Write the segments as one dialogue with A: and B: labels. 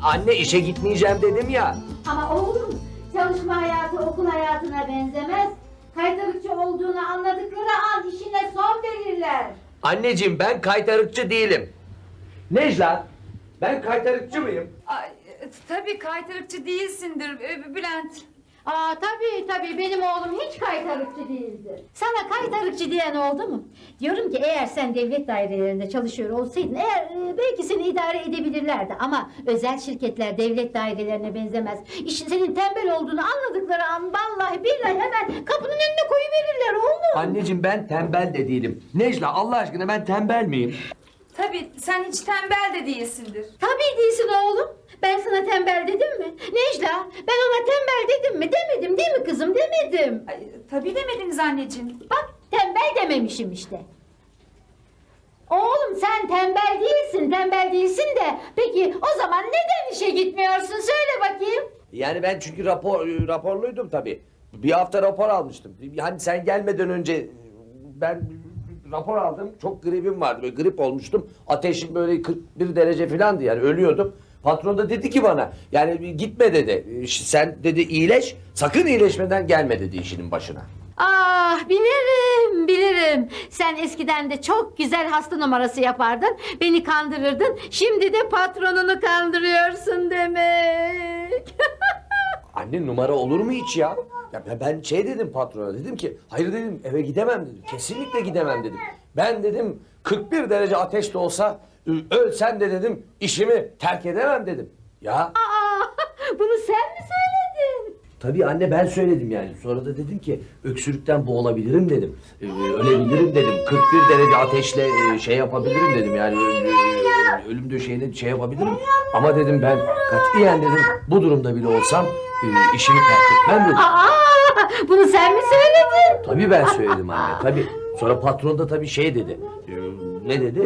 A: Anne işe gitmeyeceğim dedim ya.
B: Ama oğlum, çalışma hayatı okul hayatına benzemez. Kaytarıkçı olduğunu anladıkları an işine son verirler.
A: Anneciğim ben kaytarıkçı değilim. Necla, ben kaytarıkçı mıyım?
C: Ay, tabii kaytarıkçı değilsindir Bülent.
B: Aa tabii benim oğlum hiç kaytarıkçı değildir. Sana kaytarıkçı diyen oldu mu? Diyorum ki eğer sen devlet dairelerinde çalışıyor olsaydın belki seni idare edebilirlerdi ama özel şirketler devlet dairelerine benzemez. İşin senin tembel olduğunu anladıkları an vallahi billahi hemen kapının önüne koyuverirler oğlum.
A: Anneciğim ben tembel de değilim. Necla Allah aşkına ben tembel miyim?
C: Tabii sen hiç tembel de değilsindir.
B: Tabii değilsin oğlum. Ben sana tembel dedim mi? Necla, ben ona tembel dedim mi? Demedim değil mi kızım? Demedim.
C: Ay, tabii demediniz anneciğim.
B: Bak tembel dememişim işte. Oğlum sen tembel değilsin de peki o zaman neden işe gitmiyorsun? Söyle bakayım.
A: Yani ben çünkü raporluydum tabii. Bir hafta rapor almıştım. Yani sen gelmeden önce ben rapor aldım. Çok gripim vardı. Böyle grip olmuştum. Ateşim böyle 41 derece falandı yani ölüyordum. Patron da dedi ki bana yani gitme dedi. Sen dedi iyileş. Sakın iyileşmeden gelme dedi işinin başına.
B: Ah bilirim. Sen eskiden de çok güzel hasta numarası yapardın. Beni kandırırdın. Şimdi de patronunu kandırıyorsun demek.
A: Anne numara olur mu hiç ya? Ya ben şey dedim patrona dedim ki hayır dedim eve gidemem dedim. Kesinlikle gidemem dedim. Ben dedim 41 derece ateş de olsa ölsem de dedim işimi terk edemem dedim. Ya
B: Aa, bunu sen mi söyledin?
A: tabii anne ben söyledim yani. Sonra da dedim ki öksürükten boğulabilirim dedim. Ölebilirim dedim. 41 derece ateşle şey yapabilirim dedim yani. Ölüm döşeğine şey yapabilirim. Ama dedim ben katiyen dedim bu durumda bile olsam işimi terk etmem dedim.
B: Aa, bunu sen mi söyledin?
A: Tabii ben söyledim anne tabii. Sonra patron da tabii şey dedi. Ne dedi?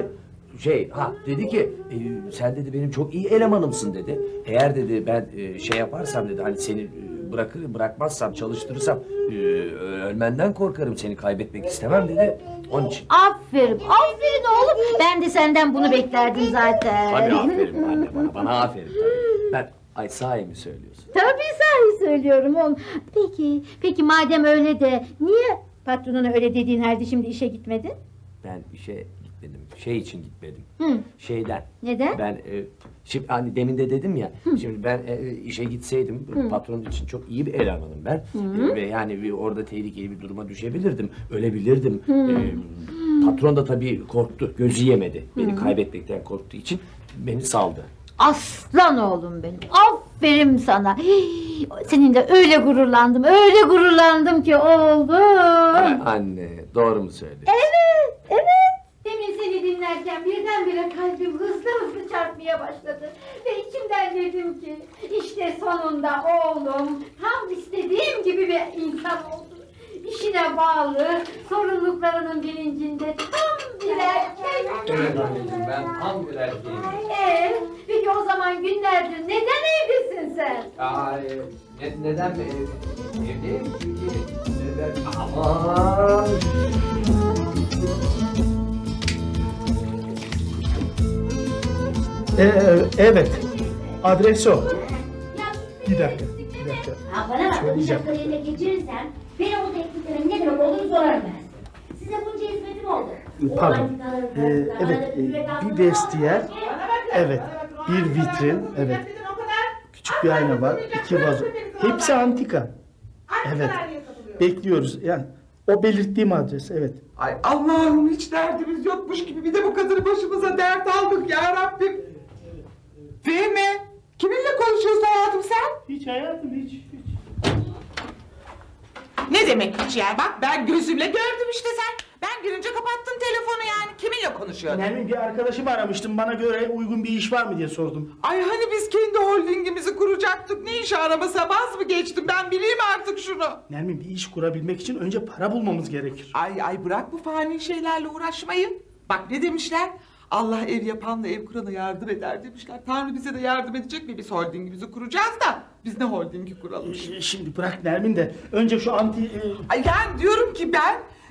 A: Dedi ki sen dedi benim çok iyi elemanımsın dedi. Eğer dedi ben şey yaparsam dedi hani seni bırakmazsam çalıştırırsam ölmenden korkarım seni kaybetmek istemem dedi. Onun için.
B: Aferin oğlum. Ben de senden bunu beklerdim zaten.
A: Tabii aferin anne bana aferin tabii. Ay sahi mi söylüyorsun?
B: Tabii sahi söylüyorum oğlum. Peki madem öyle de niye patronuna öyle dediğin halde şimdi işe gitmedin?
A: Ben işe gitmedim. Şey için gitmedim.
B: Hı.
A: Şeyden.
B: Neden?
A: Ben şimdi hani demin de dedim ya. Şimdi ben işe gitseydim patron için çok iyi bir elemanım ben. Ve yani orada tehlikeli bir duruma düşebilirdim. Ölebilirdim. Patron da tabii korktu. Gözü yemedi. Beni kaybetmekten korktuğu için beni saldı.
B: Aslan oğlum benim. Aferin sana. Hii, seninle öyle gururlandım ki oğlum.
A: Anne doğru mu söylüyorsun?
B: Evet. Demin seni dinlerken birdenbire kalbim hızlı çarpmaya başladı. Ve içimden dedim ki işte sonunda oğlum tam istediğim gibi bir insan oldu. İşine bağlı, sorumluluklarının bilincinde tam bir erkek.
A: Evet anneciğim ben tam bir erkeğim.
B: Peki o zaman günlerdir neden evlisin sen?
A: Neden mi evdeyim? Çünkü aman.
D: Evet. Adres o. Bir dakika.
E: Ha bana bak, bu şapkayı eline geçirirsen benim bu tekliflerin ne demek olduğunu sorarım ben. Size bunca hizmetim oldu.
D: Pardon. Evet. Bir vestiyer. Evet. Bir vitrin. Evet. Küçük bir ayna var. 2 vazo. Hepsi antika. Evet. Bekliyoruz. Yani o belirttiğim adres. Evet.
F: Ay Allah'ım hiç derdimiz yokmuş gibi bir de bu kadını başımıza dert aldık ya Rabbim. Fehmi, kiminle konuşuyorsun hayatım sen?
D: Hiç hayatım hiç.
F: Ne demek hiç ya? Bak ben gözümle gördüm işte sen. Ben girince kapattın telefonu yani. Kiminle konuşuyordun?
D: Nermin bir arkadaşımı aramıştım. Bana göre uygun bir iş var mı diye sordum.
F: Ay hani biz kendi holdingimizi kuracaktık. Ne iş araması vaz mı geçtim? Ben bileyim artık şunu.
D: Nermin bir iş kurabilmek için önce para bulmamız gerekir.
F: Ay bırak bu fani şeylerle uğraşmayı. Bak ne demişler? Allah ev yapanla ev kurana yardım eder demişler. Tanrı bize de yardım edecek mi? Biz holdingimizi kuracağız da biz ne holdingi kuralım şimdi?
D: Şimdi bırak Nermin de önce şu
F: Ay yani diyorum ki ben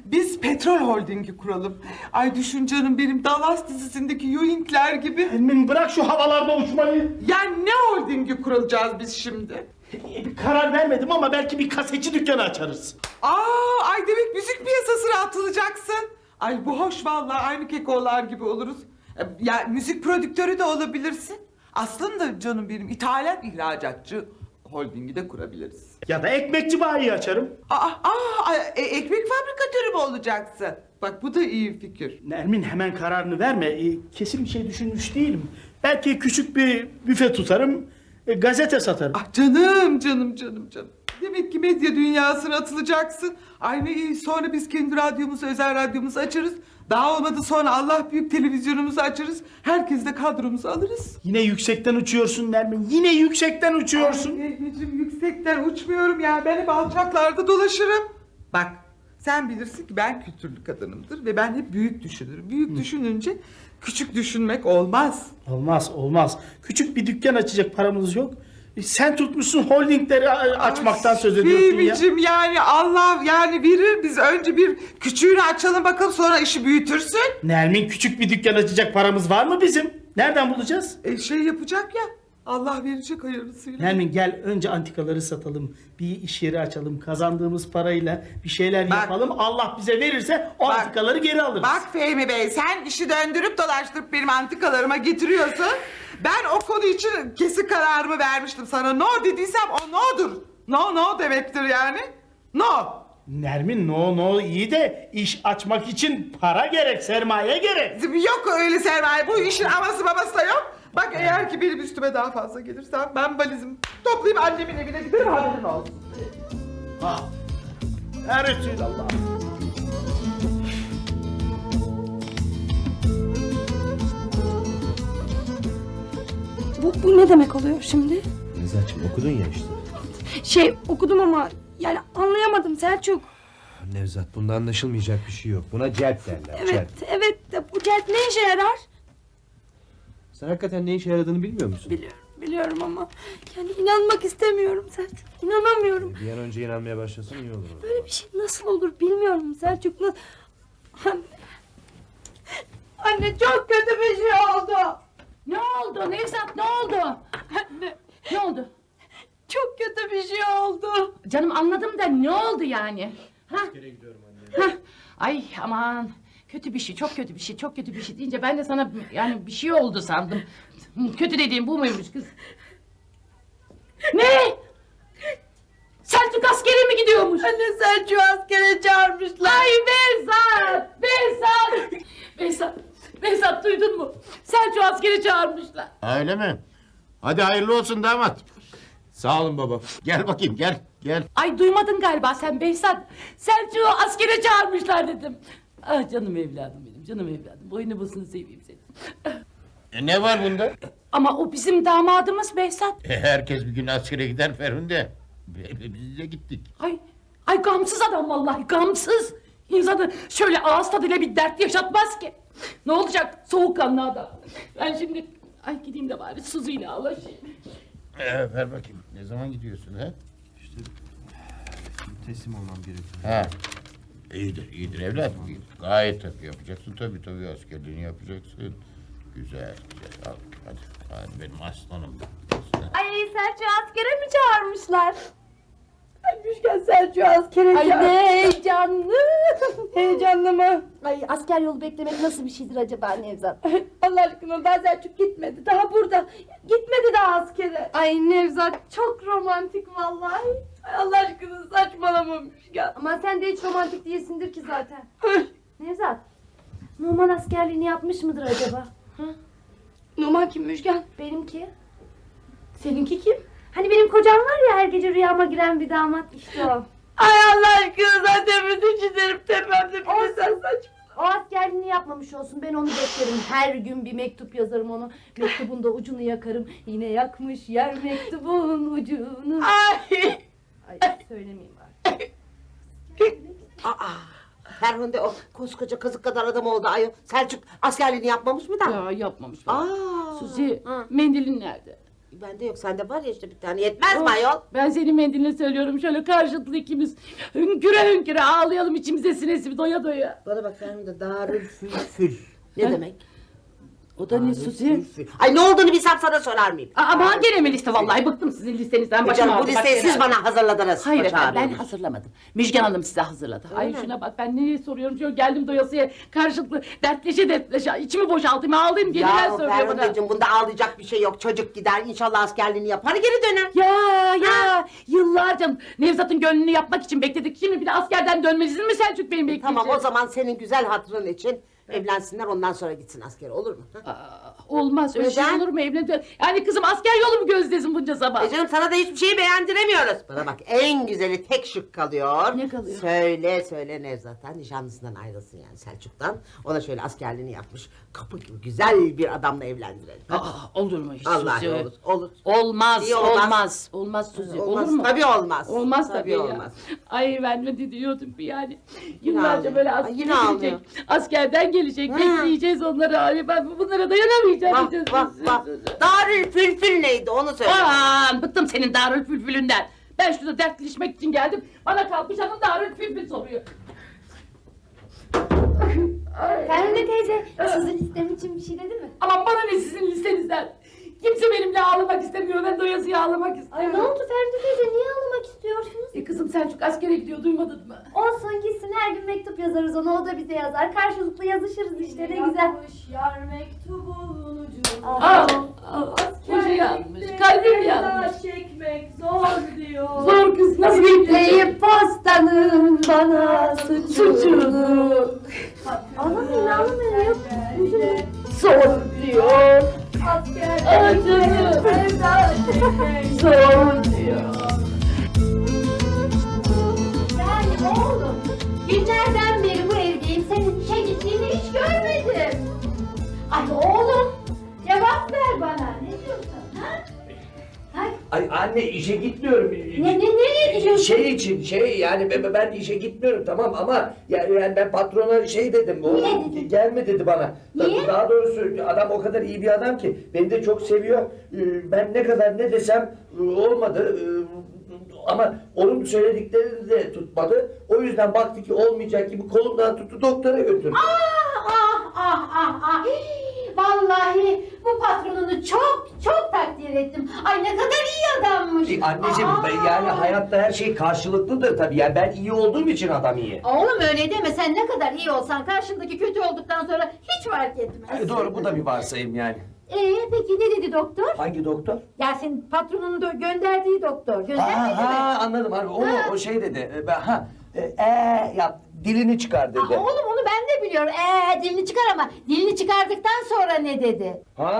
F: Biz petrol holdingi kuralım. Ay düşün canım benim Dallas dizisindeki Ewing'ler gibi.
D: Nermin bırak şu havalarda uçmayı.
F: Yani ne holdingi kuracağız biz şimdi?
D: Bir karar vermedim ama belki bir kasetçi dükkanı açarız.
F: Ay demek müzik piyasasına atılacaksın. Ay bu hoş vallahi aynı kekolar gibi oluruz. Ya müzik prodüktörü de olabilirsin. Aslında canım benim ithalat ihracatçı holdingi de kurabiliriz.
D: Ya da ekmekçi bayi açarım.
F: Ekmek fabrikatörü mü olacaksın? Bak bu da iyi fikir.
D: Nermin hemen kararını verme. Kesin bir şey düşünmüş değilim. Belki küçük bir büfe tutarım, gazete satarım.
F: Ah canım. Demek ki medya dünyasına atılacaksın. Ay ne iyi, sonra biz kendi radyomuzu, özel radyomuzu açarız. Daha olmadı sonra Allah büyük televizyonumuzu açarız. Herkes de kadromuzu alırız.
D: Yine yüksekten uçuyorsun Nermin. Yine yüksekten uçuyorsun.
F: Ay Fehmi'cim yüksekten uçmuyorum ya. Ben hep alçaklarda dolaşırım. Bak sen bilirsin ki ben kültürlü kadınımdır ve ben hep büyük düşünürüm. Büyük düşününce küçük düşünmek olmaz.
D: Olmaz. Küçük bir dükkan açacak paramız yok. Sen tutmuşsun holdingleri açmaktan söz ediyorsun ya.
F: Fehmi'cim yani Allah yani verir, biz önce bir küçüğünü açalım bakalım sonra işi büyütürsün.
D: Nermin küçük bir dükkan açacak paramız var mı bizim? Nereden bulacağız?
F: Şey yapacak ya, Allah verecek hayırlısıyla.
D: Nermin gel önce antikaları satalım. Bir iş yeri açalım. Kazandığımız parayla bir şeyler
F: Bak.
D: yapalım. Allah bize verirse o
F: Bak.
D: antikaları geri alırız.
F: Bak Fehmi Bey, sen işi döndürüp dolaştırıp benim antikalarıma getiriyorsun. Ben o konu için kesin kararımı vermiştim sana. No dediysem o no'dur. No demektir yani. No.
D: Nermin no iyi de iş açmak için para gerek, sermaye gerek.
F: Yok öyle sermaye. Bu işin aması babası da yok. Bak eğer ki benim üstüme daha fazla gelirsen ben valizimi toplayıp annemin evine giderim, haberin olsun.
D: Ha. Ya Resulallah.
G: Bu ne demek oluyor şimdi?
H: Nezahat'cığım okudun ya işte.
G: Okudum ama yani anlayamadım Selçuk.
H: Nevzat bunda anlaşılmayacak bir şey yok. Buna celp derler. Celp.
G: Evet de bu celp ne işe yarar?
H: Sen hakikaten ne işe yaradığını bilmiyor musun?
G: Biliyorum ama yani inanmak istemiyorum Selçuk. İnanamıyorum.
H: Bir an önce inanmaya başlasan iyi olur.
G: Böyle bir şey nasıl olur bilmiyorum Selçuk. Anne. Anne çok kötü bir şey oldu.
B: Ne oldu Nevzat, ne oldu?
G: Anne
B: Ne oldu?
G: çok kötü bir şey oldu.
B: Canım anladım da ne oldu yani? Ha?
H: Gidiyorum anne.
B: Ha? Ay aman, kötü bir şey, çok kötü bir şey, çok kötü bir şey deyince ben de sana yani bir şey oldu sandım. Kötü dediğim bu muymuş kız? Ne? Selçuk askere mi gidiyormuş?
G: Anne Selçuk'u askere çağırmışlar.
B: Ay Behzat duydun mu? Selçuk askere çağırmışlar.
I: Öyle mi? Hadi hayırlı olsun damat.
H: Sağ olun baba.
I: Gel bakayım gel.
B: Ay duymadın galiba sen Behzat. Selçuk'u askere çağırmışlar dedim. Ah canım evladım benim, canım evladım. Boynu bosunu seveyim seni.
I: Ne var bunda?
B: Ama o bizim damadımız Behzat.
I: Herkes bir gün askere gider Ferhunde. Biz de gittik.
B: Ay gamsız adam vallahi, gamsız. İnsanı şöyle ağız tadıyla bir dert yaşatmaz ki. Ne olacak soğukkanlı adam. Ben şimdi gideyim de bari Suzi'yle ağlaşayım.
I: Ver bakayım. Ne zaman gidiyorsun ha?
H: Teslim olmam gerekiyor.
I: Ha. İyidir evladım. İyidir. Gayet tabii yapacaksın tabii askerliğini yapacaksın. Güzel. Hadi benim aslanım.
G: Ay Selçuk'u askere mi çağırmışlar? Ay Müşken Selçuk'u askere
B: Ay
G: çağır.
B: ne heyecanlı.
G: Heyecanlı mı?
J: Ay asker yolu beklemek nasıl bir şeydir acaba Nevzat?
G: Allah aşkına daha Selçuk gitmedi. Daha burada. Gitmedi daha askere. Ay Nevzat çok romantik vallahi. Ay Allah aşkına saçmalama Müşken.
J: Ama sen de hiç romantik değilsindir ki zaten. Nevzat, Numan askerliğini yapmış mıdır acaba?
G: Numan kim Müşken?
J: Benimki.
G: Seninki kim?
J: Hani benim kocam var ya her gece rüyama giren bir damat işte o.
G: Ay Allah aşkına zaten bütün çizerim tepemde. Bir de sen saçma.
J: O askerliğini yapmamış olsun ben onu beklerim. Her gün bir mektup yazarım onu. Mektubun da ucunu yakarım. Yine yakmış yer mektubun ucunu.
G: Ay.
J: Ay söylemeyeyim artık.
K: Ferhunde o koskoca kazık kadar adam oldu ayol. Selçuk askerliğini yapmamış mı da?
B: Ya yapmamış.
K: Aa.
B: Suzi mendilin nerede?
K: Bende yok. Sende var ya işte bir tane. Yetmez mi ayol?
G: Ben senin mendiline söylüyorum şöyle karşılıklı ikimiz hünküre hünküre ağlayalım içimize sinesi doya doya.
K: Bana bak Ferhunde Darülfülfül. Ne demek?
G: O da ne Suzi?
K: Darülfülfül. Ay ne olduğunu bilsem sana sorar mıyım?
G: Aman gene mi liste vallahi bıktım sizin listenizden başım
K: Canım bu
G: ağrıdı, bak
K: listeyi
G: gene.
K: siz bana hazırladınız.
G: Hayır
K: Baş
G: efendim ben
K: ağrıyormuş.
G: hazırlamadım. Müjgan Hanım size hazırladı. Ay
K: mi?
G: şuna bak ben neyi soruyorum şöyle geldim doyasıya karşılıklı dertleşe içimi boşaltayım ağlayayım geliler
K: Ya
G: söylüyor bana.
K: Ferhunde'cim bunda ağlayacak bir şey yok. Çocuk gider inşallah askerliğini yapar geri döner.
G: Ya yıllarca Nevzat'ın gönlünü yapmak için bekledik. Şimdi bir de askerden dönmelisin mi Selçuk Bey'in bekleyecek?
K: Tamam o zaman senin güzel hatırın için evlensinler ondan sonra gitsin askere olur mu? Ha?
G: Olmaz öyle şey
K: Neden?
G: olur mu evlendi? Yani kızım asker yolu mu gözlesin bunca sabah?
K: Canım sana da hiçbir şeyi beğendiremiyoruz. Bana bak en güzeli tek şık kalıyor.
G: Ne kalıyor?
K: Söyle Nevzat'a nişanlısından ayrılsın yani Selçuk'tan. Ona şöyle askerliğini yapmış. Kapı gibi güzel bir adamla evlendirelim.
G: Olur mu hiç
K: Allah
G: Suzi?
K: olur.
G: Olmaz,
K: Niye olmaz?
G: olmaz. Olmaz Suzi.
K: Olmaz,
G: Olur mu?
K: tabii olmaz.
G: Olmaz tabii, ya.
K: olmaz.
G: Ay ben ne diyordum yani. Yıllarca
K: ağlıyor.
G: böyle
K: Ay,
G: askere
K: yine ağlıyor.
G: gelecek. Askerden gelecek.
K: Ha.
G: Bekleyeceğiz onları. Ay ben bunlara dayanamayacağım.
K: Bak. Darülfülfül neydi onu söyle.
G: Aman bıktım senin Darülfülfül'ünden. Ben şurada dertleşmek için geldim. Bana kalkmış hanım Darülfülfül soruyor.
J: Ferhunde teyze sizin istem için bir şey dedi mi?
G: Aman bana ne sizin listenizden. Kimse benimle ağlamak istemiyor. Ben doyasıya ağlamak istiyorum.
J: Ay ne oldu Ferhunde teyze niye ağlamak istiyorsunuz?
G: Kızım Selçuk askere gidiyor duymadın mı?
J: Olsun gitsin her gün mektup yazarız ona o da bize yazar. Karşılıklı yazışırız işte ne güzel.
G: Yar mektubun ucuna. Boşa yanmış. Kalbim yanmış.
J: Çekmek zor diyor.
G: Zor kız nasıl bekleyecek?
J: Yükleyip postanın bana suçunu. Ağlamayın yok. Üzülme.
G: Zor diyor. Acını zor diyor.
B: Yani oğlum günlerden beri bu evdeyim senin işe gittiğini hiç görmedim. Ay oğlum cevap ver bana ne diyorsun ha? Ay,
A: Ay anne işe gitmiyorum.
B: nereye gidiyorsun?
A: Şey yani ben işe gitmiyorum tamam ama yani ben patrona şey dedim. O
B: Niye dedin?
A: gelme dedi bana.
B: Niye?
A: Daha doğrusu adam o kadar iyi bir adam ki beni de çok seviyor. Ben ne kadar ne desem olmadı. Ama onun söylediklerini de tutmadı. O yüzden baktı ki olmayacak gibi kolumdan tuttu doktora götürdü.
B: Ah. Vallahi bu patronunu çok takdir ettim. Ay ne kadar iyi adammış.
A: Anneciğim yani hayatta her şey karşılıklıdır tabii. Yani ben iyi olduğum için adam iyi.
B: Oğlum öyle deme sen ne kadar iyi olsan karşındaki kötü olduktan sonra hiç fark etmez.
A: Doğru bu da bir varsayım yani.
B: Peki ne dedi doktor?
A: Hangi doktor?
B: Ya senin patronunun da gönderdiği doktor. Göndermedi mi?
A: Anladım abi. O şey dedi. Ya dilini çıkar dedi.
B: Oğlum onu ben de biliyorum. Dilini çıkar ama dilini çıkardıktan sonra ne dedi?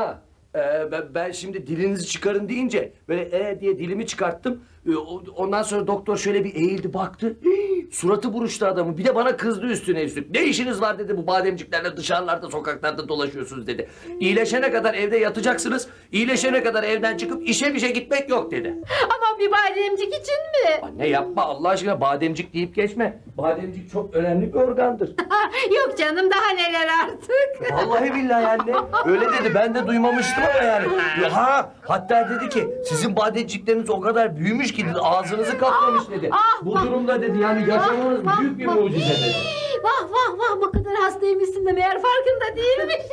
A: Ben şimdi dilinizi çıkarın deyince böyle diye dilimi çıkarttım. Ondan sonra doktor şöyle bir eğildi baktı. Suratı buruştu adamın. Bir de bana kızdı üstüne üstlük. Ne işiniz var dedi bu bademciklerle dışarılarda sokaklarda dolaşıyorsunuz dedi. İyileşene kadar evde yatacaksınız. İyileşene kadar evden çıkıp işe gitmek yok dedi.
B: Ama bir bademcik için mi?
A: Anne yapma Allah aşkına bademcik deyip geçme. Bademcik çok önemli bir organdır.
B: Yok canım daha neler artık.
A: Vallahi billahi anne. Öyle dedi ben de duymamıştım ama yani. Hatta dedi ki sizin bademcikleriniz o kadar büyümüş ki dedi, ağzınızı kaplamış dedi. Bu durumda dedi yani yaşamanız büyük bir mucize dedi.
B: Vah bu kadar hastaymışsın da meğer farkında değilmişiz.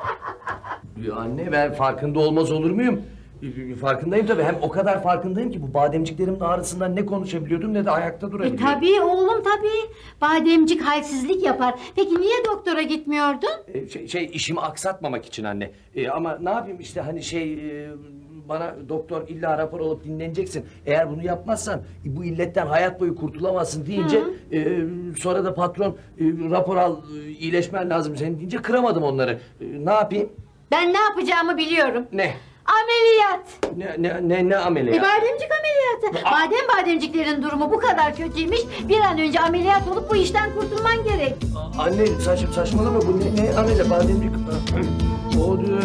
A: Anne ben farkında olmaz olur muyum? Farkındayım tabii. Hem o kadar farkındayım ki bu bademciklerimin ağrısından ne konuşabiliyordum ne de ayakta durabiliyordum.
B: Tabii oğlum tabii. Bademcik halsizlik yapar. Peki niye doktora gitmiyordun?
A: İşimi aksatmamak için anne. Ama ne yapayım işte hani bana doktor illa rapor alıp dinleneceksin. Eğer bunu yapmazsan bu illetten hayat boyu kurtulamazsın deyince sonra da patron rapor al iyileşmen lazım senin deyince kıramadım onları. Ne yapayım?
B: Ben ne yapacağımı biliyorum.
A: Ne?
B: Ameliyat.
A: Ne ameliyat?
B: Bademcik ameliyatı. Bademciklerin durumu bu kadar kötüymüş. Bir an önce ameliyat olup bu işten kurtulman gerek.
A: Anne saçmalama bu ne ameliyat bademcik. O diyor.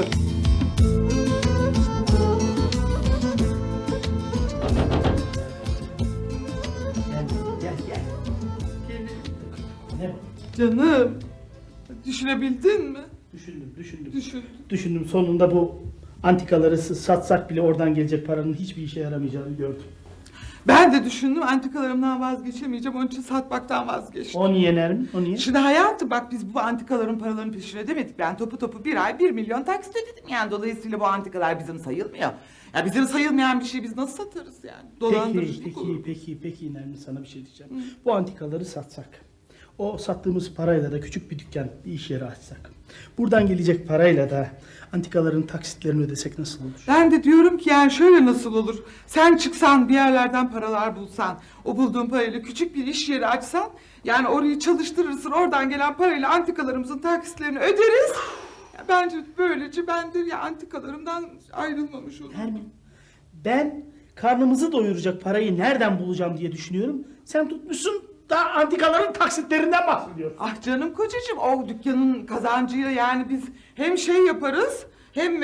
D: Gel. Ne?
F: Canım düşünebildin mi?
D: Düşündüm.
F: Düşün.
D: Düşündüm sonunda bu Antikaları satsak bile oradan gelecek paranın hiçbir işe yaramayacağını gördüm.
F: Ben de düşündüm antikalarımdan vazgeçemeyeceğim. Onun için satmaktan vazgeçtim.
D: O niye Nermin? O niye?
F: Şimdi hayatım bak biz bu antikaların paralarını peşin ödemedik. Ben topu bir ay 1 milyon taksit ödedim yani. Dolayısıyla bu antikalar bizim sayılmıyor. Ya bizim sayılmayan bir şeyi biz nasıl satarız yani? Dolandırıcılık olur.
D: Peki Nermin, sana bir şey diyeceğim. Bu antikaları satsak, o sattığımız parayla da küçük bir dükkan, bir iş yeri açsak, buradan gelecek parayla da antikaların taksitlerini ödesek nasıl olur?
F: Ben de diyorum ki yani şöyle nasıl olur? Sen çıksan bir yerlerden paralar bulsan, o bulduğun parayla küçük bir iş yeri açsan, yani orayı çalıştırırsın, oradan gelen parayla antikalarımızın taksitlerini öderiz. Ya bence böylece ben de ya antikalarımdan ayrılmamış olurum.
D: Nermin, ben karnımızı doyuracak parayı nereden bulacağım diye düşünüyorum. Sen tutmuşsun da antikaların taksitlerinden bahsediyorsun.
F: Ah canım kocacığım, o dükkanın kazancıyla yani biz hem şey yaparız, hem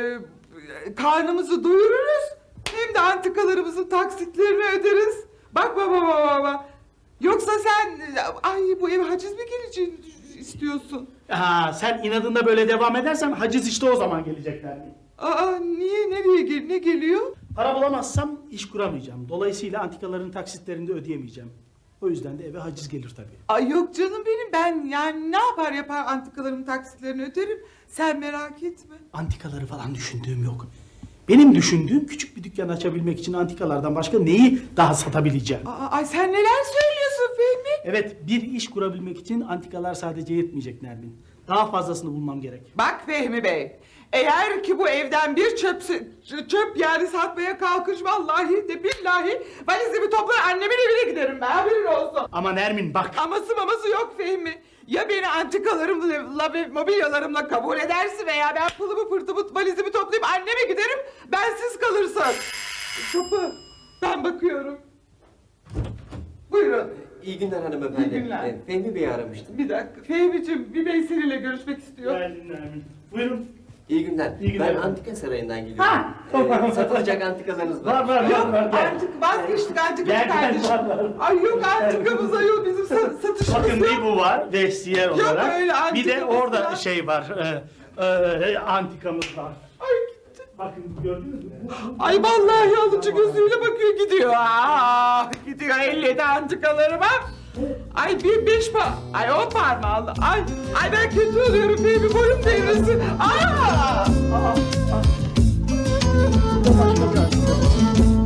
F: karnımızı doyururuz, hem de antikalarımızın taksitlerini öderiz. Bak baba. Yoksa sen, ay bu eve haciz mi geleceğini istiyorsun?
D: Sen inadında böyle devam edersen haciz işte o zaman gelecek Nermin.
F: Niye, ne geliyor?
D: Para bulamazsam iş kuramayacağım. Dolayısıyla antikaların taksitlerini de ödeyemeyeceğim. O yüzden de eve haciz gelir tabii.
F: Ay yok canım benim, ben yani ne yapar antikalarımın taksitlerini öderim. Sen merak etme.
D: Antikaları falan düşündüğüm yok. Benim düşündüğüm küçük bir dükkan açabilmek için antikalardan başka neyi daha satabileceğim?
F: Ay sen neler söylüyorsun Fehmi?
D: Evet, bir iş kurabilmek için antikalar sadece yetmeyecek Nermin. Daha fazlasını bulmam gerek.
F: Bak Fehmi Bey, eğer ki bu evden bir çöp yani satmaya kalkış, vallahi de billahi valizimi toplar annemin evine giderim ben, haberin olsun.
D: Ama Nermin bak.
F: Maması yok Fehmi. Ya beni antikalarımla ve mobilyalarımla kabul edersin veya ben pılımı pırtımı valizimi toplayıp anneme giderim, bensiz kalırsın. Kapı, ben bakıyorum. Buyurun.
L: İyi günler hanımefendi.
F: İyi günler.
L: Fehmi Bey'i aramıştım.
F: Bir dakika, Fehmi'cim bir bey seninle görüşmek istiyor.
D: Geldin Nermin. Buyurun.
L: İyi günler.
D: İyi günler.
L: Ben Antika Sarayı'ndan geliyorum. Satılacak antikalarınız var.
D: Var.
F: Antik vazgeçtik antikamız
D: Gel,
F: kardeşim.
D: var.
F: Ay yok antikamız ayol bizim satışımız
D: Bakın
F: yok.
D: bir bu var vestiyer olarak.
F: öyle
D: Bir de
F: antikamız
D: orada
F: var.
D: şey var. Antikamız var.
F: Ay gitti.
D: Bakın gördünüz mü?
F: Ay vallahi alıcı gözüyle bakıyor gidiyor. Gidiyor 57 antikalarıma. Ay bir 5 ay 10 parmağlı. Ay ben kötü oluyorum Fehmi, boyum devrilsin.
D: Bu da başka bir antika.